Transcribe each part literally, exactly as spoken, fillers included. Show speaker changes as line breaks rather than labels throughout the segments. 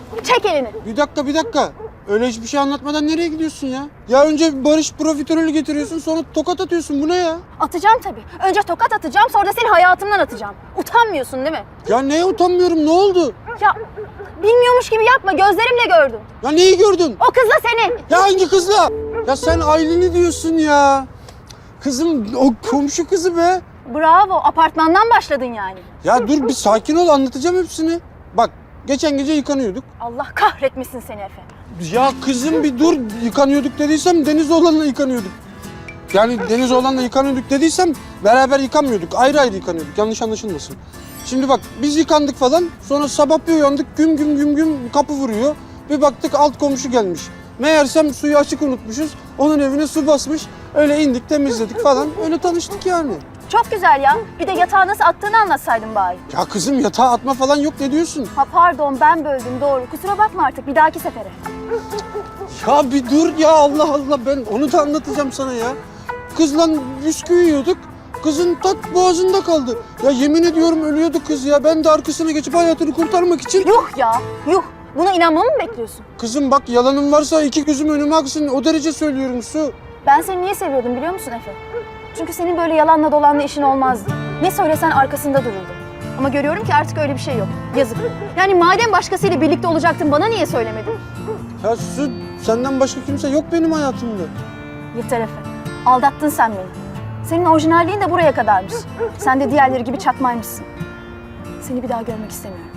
Çek elini.
Bir dakika bir dakika. Öyle hiçbir şey anlatmadan nereye gidiyorsun ya? Ya önce barış profiterolü getiriyorsun sonra tokat atıyorsun. Bu ne ya?
Atacağım tabii. Önce tokat atacağım, sonra da seni hayatımdan atacağım. Utanmıyorsun değil mi?
Ya neye utanmıyorum, ne oldu?
Ya bilmiyormuş gibi yapma, gözlerimle gördüm.
Ya neyi gördün?
O kızla seni.
Ya hangi kızla? Ya sen Aylin'i diyorsun ya. Kızım o komşu kızı be.
Bravo, apartmandan başladın yani.
Ya dur bir sakin ol, anlatacağım hepsini. Bak geçen gece yıkanıyorduk.
Allah kahretmesin seni Efe.
Ya kızım bir dur, yıkanıyorduk dediysem Deniz oğlanla yıkanıyorduk. Yani Deniz oğlanla yıkanıyorduk dediysem beraber yıkanmıyorduk. Ayrı ayrı yıkanıyorduk. Yanlış anlaşılmasın. Şimdi bak biz yıkandık falan. Sonra sabah bir uyandık güm güm güm güm kapı vuruyor. Bir baktık alt komşu gelmiş. Meğersem suyu açık unutmuşuz. Onun evine su basmış. Öyle indik temizledik falan. Öyle tanıştık yani.
Çok güzel ya. Bir de yatağı nasıl attığını anlatsaydın bari.
Ya kızım yatağa atma falan yok, ne diyorsun?
Ha pardon, ben böldüm, doğru. Kusura bakma artık, bir dahaki sefere.
Ya bir dur ya, Allah Allah, ben onu da anlatacağım sana ya. Kızla bisküvi yiyorduk. Kızın tat boğazında kaldı. Ya yemin ediyorum ölüyordu kız ya. Ben de arkasına geçip hayatını kurtarmak için...
Yuh ya, yuh. Buna inanmamı mı bekliyorsun?
Kızım bak yalanım varsa iki gözüm önüme aksın. O derece söylüyorum Su.
Ben seni niye seviyordum biliyor musun Efe? Çünkü senin böyle yalanla dolanla işin olmazdı. Ne söylesen arkasında dururdu. Ama görüyorum ki artık öyle bir şey yok. Yazık. Yani madem başkasıyla birlikte olacaktın, bana niye söylemedin?
Ya Su, senden başka kimse yok benim hayatımda.
Yeter Efe. Aldattın sen beni. Senin orijinalliğin de buraya kadarmış. Sen de diğerleri gibi çakmaymışsın. Seni bir daha görmek istemiyorum.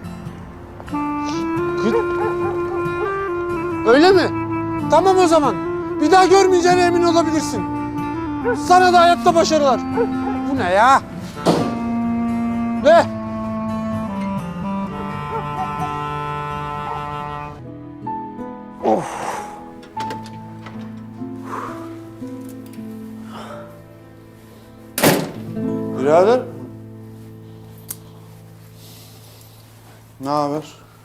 Kız... Öyle mi? Tamam o zaman. Bir daha görmeyeceğine emin olabilirsin. Sana da hayatta başarılar. Bu ne ya? Ne? Of. Birader. Ne haber?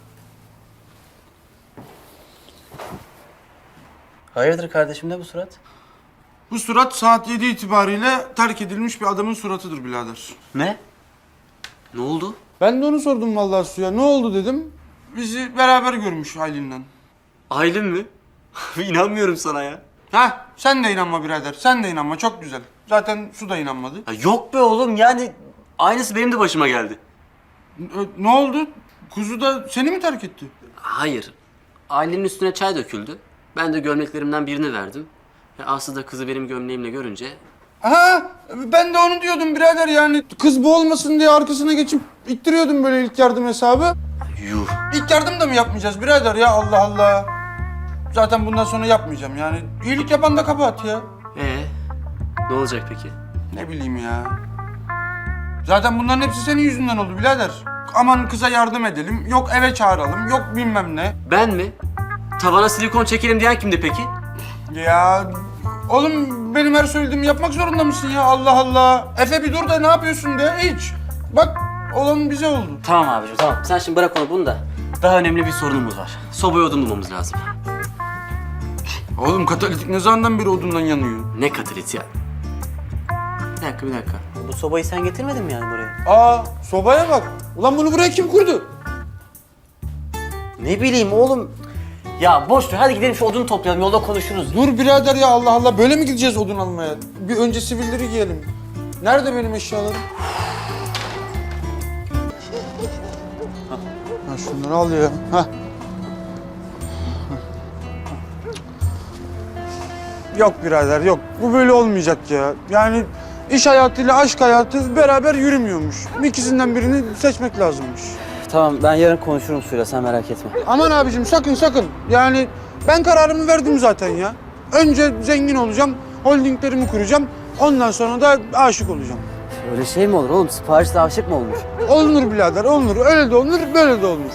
Hayırdır kardeşim, ne bu surat?
Bu surat saat yedi itibariyle terk edilmiş bir adamın suratıdır birader.
Ne? Ne oldu?
Ben de onu sordum vallahi Su'ya. Ne oldu dedim. Bizi beraber görmüş Aylin'le.
Aylin mi? İnanmıyorum sana ya.
Ha, sen de inanma birader. Sen de inanma. Çok güzel. Zaten Su da inanmadı.
Ya yok be oğlum, yani aynısı benim de başıma geldi.
N- Ne oldu? Kuzu da seni mi terk etti?
Hayır. Aylin'in üstüne çay döküldü. Ben de gömleklerimden birini verdim. Ve Aslı da kızı benim gömleğimle görünce...
Ha, ben de onu diyordum birader yani. Kız bu olmasın diye arkasına geçip ittiriyordum böyle ilk yardım hesabı.
Yuh.
İlk yardım da mı yapmayacağız birader ya, Allah Allah. Zaten bundan sonra yapmayacağım yani. İyilik yapan da kabahat ya.
Ee, ne olacak peki?
Ne bileyim ya. Zaten bunların hepsi senin yüzünden oldu birader. Aman kıza yardım edelim, yok eve çağıralım, yok bilmem ne.
Ben mi? Tavana silikon çekelim diyen kimdi peki?
Ya oğlum benim her söylediğimi yapmak zorunda mısın ya, Allah Allah. Efe bir dur da ne yapıyorsun de hiç. Bak olan bize oldu.
Tamam abicim, tamam. Sen şimdi bırak onu bunu da. Daha önemli bir sorunumuz var. Sobaya odun bulmamız lazım.
Oğlum katalitik ne zamandan beri odundan yanıyor?
Ne katalit ya? Bir dakika, bir dakika. Bu sobayı sen getirmedin mi yani buraya?
Aa, sobaya bak. Ulan bunu buraya kim kurdu?
Ne bileyim oğlum. Ya boş ver, hadi gidelim şu odunu toplayalım, yolda konuşuruz.
Dur birader ya, Allah Allah. Böyle mi gideceğiz odun almaya? Bir önce sivilleri giyelim. Nerede benim eşyalarım? Ha şunları al ya. Ha. Yok birader yok. Bu böyle olmayacak ya. Yani iş hayatıyla aşk hayatı beraber yürümüyormuş. İkisinden birini seçmek lazımmış.
Tamam, ben yarın konuşurum Suyla, sen merak etme.
Aman abicim sakın sakın. Yani ben kararımı verdim zaten ya. Önce zengin olacağım, holdinglerimi kuracağım. Ondan sonra da aşık olacağım.
Öyle şey mi olur oğlum? Siparişle aşık mı olmuş?
Olunur birader, olunur. Öyle de olunur, böyle de olunur.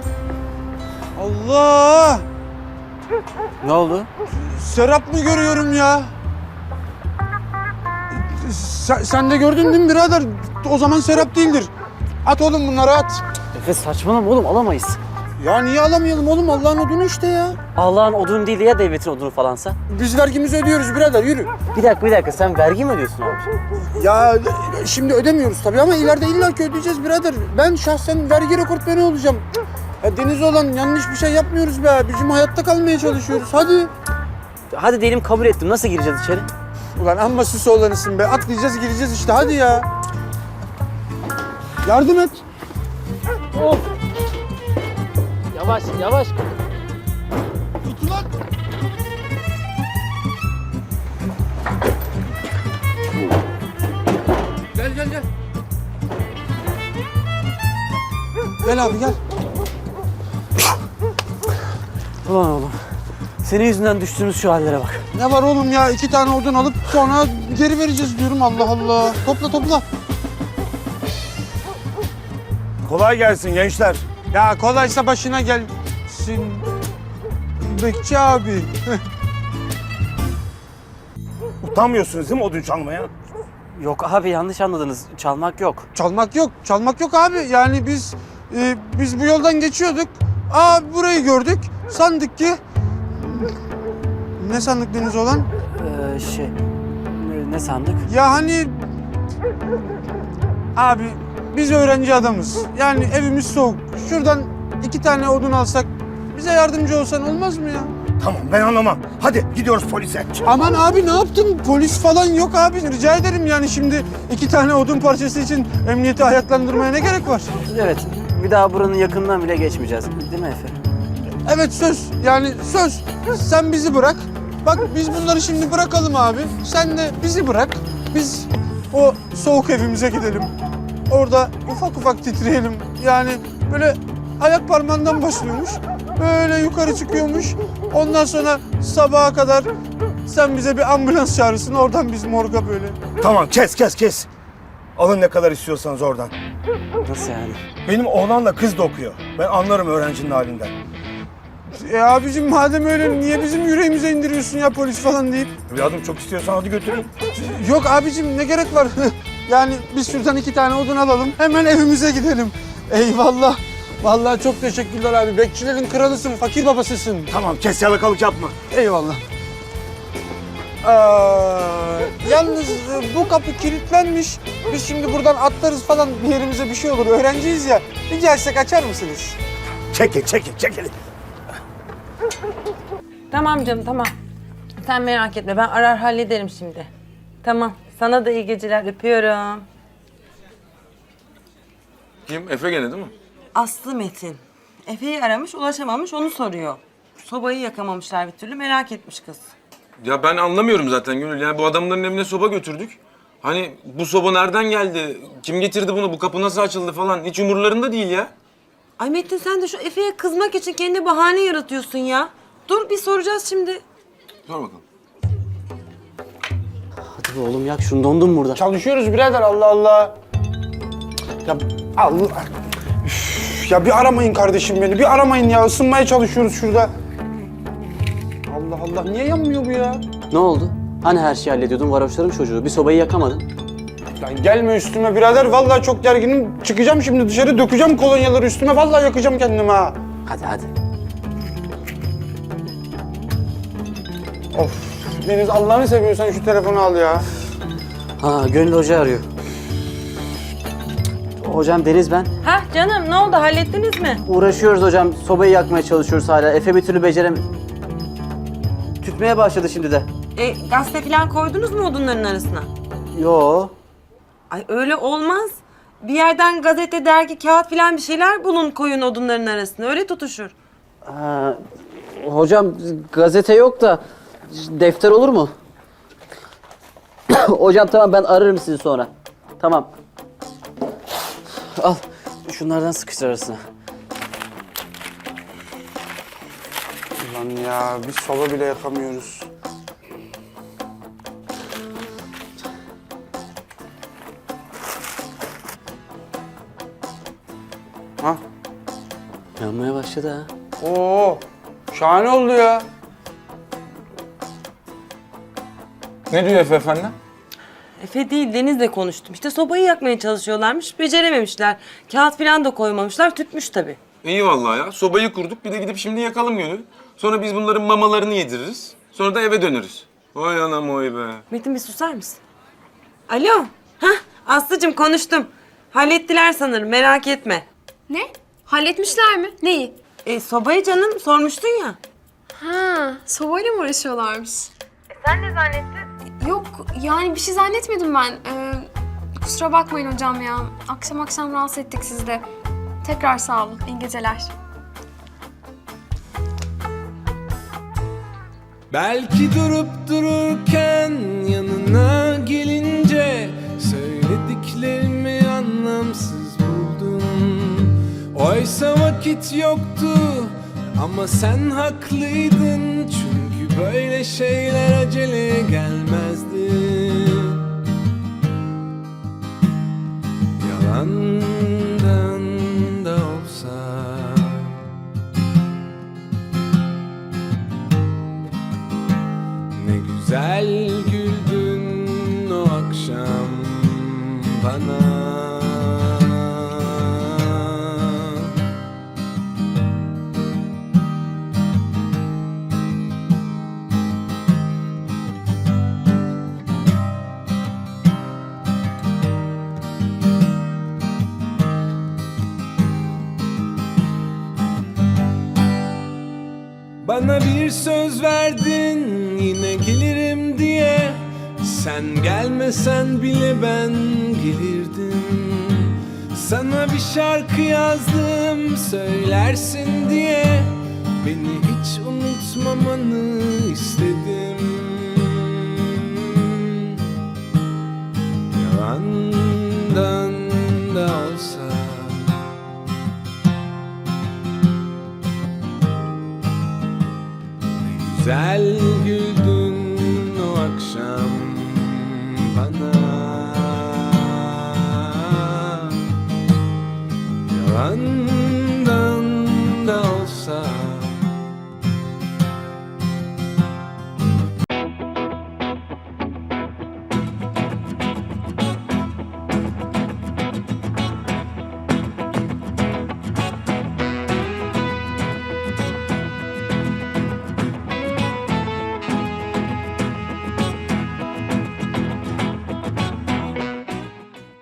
Allah!
Ne oldu?
Serap mı görüyorum ya? Sen, sen de gördün değil mi birader? O zaman Serap değildir. At oğlum bunları at.
Efe saçmalama oğlum, alamayız.
Ya niye alamayalım oğlum? Allah'ın odunu işte ya.
Allah'ın odunu değil de ya devletin odunu falansa?
Biz vergimizi ödüyoruz birader, yürü.
Bir dakika, bir dakika. Sen vergi mi ödüyorsun abi?
Ya şimdi ödemiyoruz tabii ama ileride illaki ödeyeceğiz birader. Ben şahsen vergi rekortmeni olacağım. Ya deniz olan yanlış bir şey yapmıyoruz be abicim. Hayatta kalmaya çalışıyoruz. Hadi.
Hadi diyelim kabul ettim. Nasıl gireceğiz içeri?
Ulan amma süs oğlanısın be. Atlayacağız gireceğiz işte hadi ya. Yardım et.
Yavaş, yavaş.
Tut ulan. Gel gel gel. Gel abi gel.
Ulan oğlum. Senin yüzünden düştüğümüz şu hallere bak.
Ne var oğlum ya? İki tane odun alıp sonra geri vereceğiz diyorum. Allah Allah. Topla topla.
Kolay gelsin gençler.
Ya kolaysa başına gelsin. Bekçi abi.
Utanmıyorsunuz değil mi odun çalmaya?
Yok abi yanlış anladınız. Çalmak yok.
Çalmak yok. Çalmak yok abi. Yani biz e, biz bu yoldan geçiyorduk. Aa burayı gördük. Sandık ki ne sandık deniz olan?
Ee, şey... Ne, ne sandık?
Ya hani abi biz öğrenci adamız. Yani evimiz soğuk. Şuradan iki tane odun alsak bize yardımcı olsan olmaz mı ya?
Tamam ben anlamam. Hadi gidiyoruz polise.
Aman abi ne yaptın? Polis falan yok abi. Rica ederim yani şimdi iki tane odun parçası için emniyeti ayaklandırmaya ne gerek var?
Evet. Bir daha buranın yakından bile geçmeyeceğiz. Değil mi Efe?
Evet söz. Yani söz. Sen bizi bırak. Bak biz bunları şimdi bırakalım abi. Sen de bizi bırak. Biz o soğuk evimize gidelim. Orada ufak ufak titreyelim. Yani böyle ayak parmağından başlıyormuş. Böyle yukarı çıkıyormuş. Ondan sonra sabaha kadar sen bize bir ambulans çağırırsın. Oradan biz morga böyle.
Tamam kes kes kes. Alın ne kadar istiyorsanız oradan.
Nasıl yani?
Benim oğlanla kız da okuyor. Ben anlarım öğrencinin halinden.
E abicim madem öyle niye bizim yüreğimize indiriyorsun ya polis falan deyip?
Evladım çok istiyorsan hadi götürün.
Yok abicim ne gerek var? Yani biz şuradan iki tane odun alalım. Hemen evimize gidelim. Eyvallah. Vallahi çok teşekkürler abi. Bekçilerin kralısın, fakir babasısın.
Tamam kes yalakalık yapma.
Eyvallah. Aa, yalnız e, bu kapı kilitlenmiş. Biz şimdi buradan atlarız falan bir yerimize bir şey olur. Öğrenciyiz ya. Bir gelsek açar mısınız?
Çekil çekil çekil.
Tamam canım tamam. Sen merak etme ben arar hallederim şimdi. Tamam. Sana da iyi geceler öpüyorum.
Kim? Efe gene değil mi?
Aslı Metin. Efe'yi aramış ulaşamamış onu soruyor. Sobayı yakamamışlar bir türlü merak etmiş kız.
Ya ben anlamıyorum zaten Gönül. Yani bu adamların evine soba götürdük. Hani bu soba nereden geldi? Kim getirdi bunu? Bu kapı nasıl açıldı falan? Hiç umurlarında değil ya.
Ay Metin sen de şu Efe'ye kızmak için kendi bahane yaratıyorsun ya. Dur bir soracağız şimdi.
Sor bakalım.
Hadi be oğlum yak şunu dondum burada.
Çalışıyoruz birader Allah Allah. Ya Allah. Üf, ya bir aramayın kardeşim beni. Bir aramayın ya. Isınmaya çalışıyoruz şurada. Allah Allah. Niye yanmıyor bu ya?
Ne oldu? Hani her şeyi hallediyordun varoşların çocuğu. Bir sobayı yakamadın.
Lan gelme üstüme birader. Vallahi çok gerginim. Çıkacağım şimdi dışarı. Dökeceğim kolonyaları üstüme. Vallahi yakacağım kendimi ha.
Hadi hadi.
Of. Deniz Allah'ını seviyorsan şu telefonu al ya.
Ha Gönül Hoca arıyor. Hocam Deniz ben.
Ha canım ne oldu hallettiniz mi?
Uğraşıyoruz hocam. Sobayı yakmaya çalışıyoruz hala. Efe bir türlü becerem... Tütmeye başladı şimdi de.
E, gazete falan koydunuz mu odunların arasına?
Yo.
Ay öyle olmaz. Bir yerden gazete, dergi, kağıt falan bir şeyler bulun koyun odunların arasına. Öyle tutuşur.
Ha, hocam gazete yok da defter olur mu? Hocam tamam ben ararım sizi sonra. Tamam. Al şunlardan sıkıştır arasına.
Ulan ya biz soba bile yakamıyoruz. Ha?
Yanmaya başladı ha.
Oo, şahane oldu ya.
Ne diyor Efe efendi?
Efe değil Deniz'le konuştum. İşte sobayı yakmaya çalışıyorlarmış. Becerememişler. Kağıt falan da koymamışlar. Tütmüş tabii.
İyi vallahi ya. Sobayı kurduk. Bir de gidip şimdi yakalım Gönül. Sonra biz bunların mamalarını yediririz. Sonra da eve döneriz. Vay anam oy be.
Metin bir susar mısın? Alo. Hah Aslı'cığım konuştum. Hallettiler sanırım merak etme.
Ne? Halletmişler mi? Neyi?
E, sobayı canım sormuştun ya.
Ha, sobayla mı uğraşıyorlarmış? E sen ne zannettin? Yok, yani bir şey zannetmedim ben. Ee, kusura bakmayın hocam ya. Akşam akşam rahatsız ettik sizi de. Tekrar sağ olun. İyi geceler.
Belki durup dururken yanına gelince söylediklerimi anlamsız buldum. Oysa vakit yoktu ama sen haklıydın, çünkü böyle şeyler acele gelmezdi. Yalandan da olsa ne güzel güldün o akşam bana. Bana bir söz verdin yine gelirim diye. Sen gelmesen bile ben gelirdim. Sana bir şarkı yazdım söylersin diye. Beni hiç unutmamanı istedim. Yalandan da olsa güzel güldün o akşam bana. Yalandan da olsa